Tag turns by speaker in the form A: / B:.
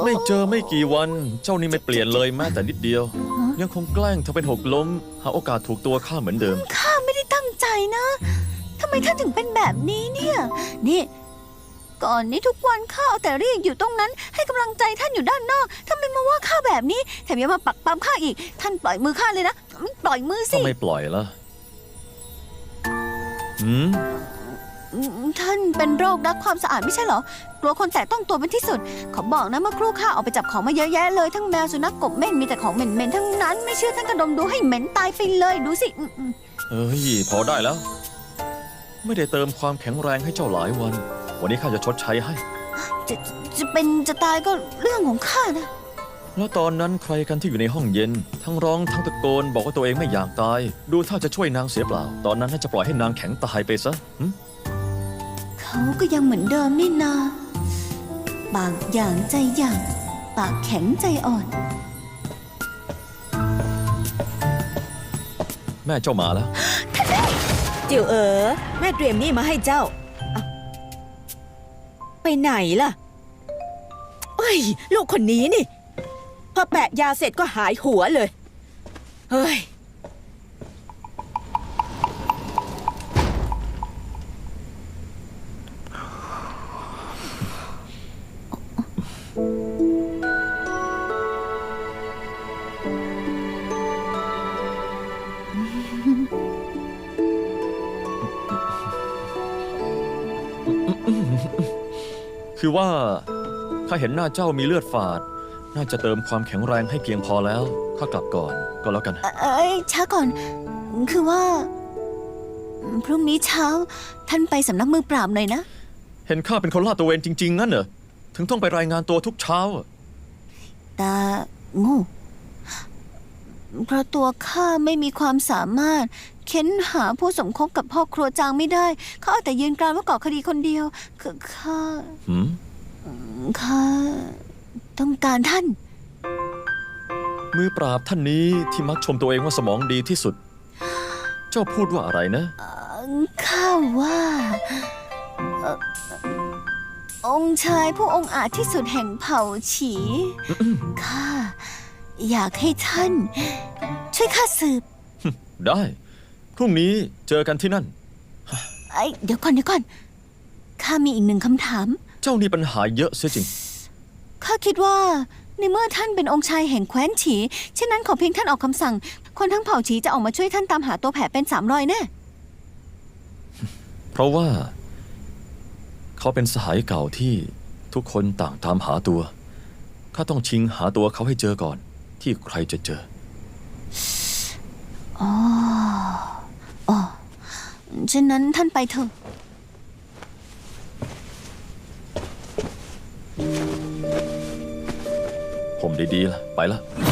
A: ไม่เจอไม่กี่วันเจ้านี่ไม่เปลี่ยนเลยแม้แต่นิดเดียวยังคงแกล้งเธอเป็นหกล้มหาโอกาสถูกตัวข้าเหมือนเดิม
B: ข้าไม่ได้ตั้งใจนะทำไมท่านถึงเป็นแบบนี้เนี่ยนี่ก่อนนี้ทุกวันข้าเอาแต่เรียกอยู่ตรงนั้นให้กำลังใจท่านอยู่ด้านนอกทำไมมาว่าข้าแบบนี้แถมยังมาปักปั๊มข้าอีกท่านปล่อยมือข้าเลยนะปล่อยมือสิ
A: ทำไมปล่อยล่ะ
B: ท่านเป็นโรครักความสะอาดไม่ใช่เหรอกลัวคนแตะต้องตัวเป็นที่สุดขอบอกนะเมื่อครู่ข้าออกไปจับของมาเยอะแยะเลยทั้งแมวสุนัขกบเม่นมีแต่ของเหม็นๆทั้งนั้นไม่เชื่อท่านกระดมดูให้เหม็นตายไปเลยดูสิ
A: เฮ้ยพอได้แล้วไม่ได้เติมความแข็งแรงให้เจ้าหลายวันวันนี้ข้าจะชดใช้ให้
B: จะเป็นจะตายก็เรื่องของข้านะ
A: แล้วตอนนั้นใครกันที่อยู่ในห้องเย็นทั้งร้องทั้งตะโกนบอกว่าตัวเองไม่อยากตายดูถ้าจะช่วยนางเสียเปล่าตอนนั้นน่าจะปล่อยให้นางแข็งตายไปซะ
B: เขาก็ยังเหมือนเดิมนี่นาปากอย่างใจอย่างปากแข็งใจอ่อน
A: แม่เจ้ามาแล้ว
C: จิ๋วแม่เตรียมนี่มาให้เจ้าไปไหนล่ะเอ้ยลูกคนนี้นี่พอแปะยาเสร็จก็หายหัวเลยเฮ้ย
A: คือว่าข้าเห็นหน้าเจ้ามีเลือดฝาดน่าจะเติมความแข็งแรงให้เพียงพอแล้วข้ากลับก่อนก็แล้วกัน
B: ช้าก่อนคือว่าพรุ่งนี้เช้าท่านไปสำนักมือปราบหน่อยนะ
A: เห็นข้าเป็นคนลาดตระเวนจริงๆงั้นเหรอถึงต้องไปรายงานตัวทุกเช้า
B: ตาโง่เพราะตัวข้าไม่มีความสามารถเค้นหาผู้สมคบกับพ่อครัวจางไม่ได้เขาเอาแต่ยืนกรานว่าก่อคดีคนเดียวคือข้าต้องการท่าน
A: มือปราบท่านนี้ที่มักชมตัวเองว่าสมองดีที่สุดเจ้าพูดว่าอะไรนะ
B: ข้าว่าองค์ชายผู้องอาจที่สุดแห่งเผ่าฉีข้าอยากให้ท่านช่วยข้าสืบ
A: ได้พรุ่งนี้เจอกันที่นั่น
B: เดี๋ยวก่อนข้ามีอีกหนึ่งคำถาม
A: เจ้านี่ปัญหาเยอะเสียจริง
B: ข้าคิดว่าในเมื่อท่านเป็นองค์ชายแห่งแคว้นฉีเช่นนั้นขอเพียงท่านออกคำสั่งคนทั้งเผ่าฉีจะออกมาช่วยท่านตามหาตัวแผลเป็น3 รอยแน่
A: เพราะว่าเขาเป็นสหายเก่าที่ทุกคนต่างตามหาตัวข้าต้องชิงหาตัวเขาให้เจอก่อนที่ใครจะเจอ
B: เช่นนั้นท่านไปเถอะ
A: ผมดีๆล่ะไปละ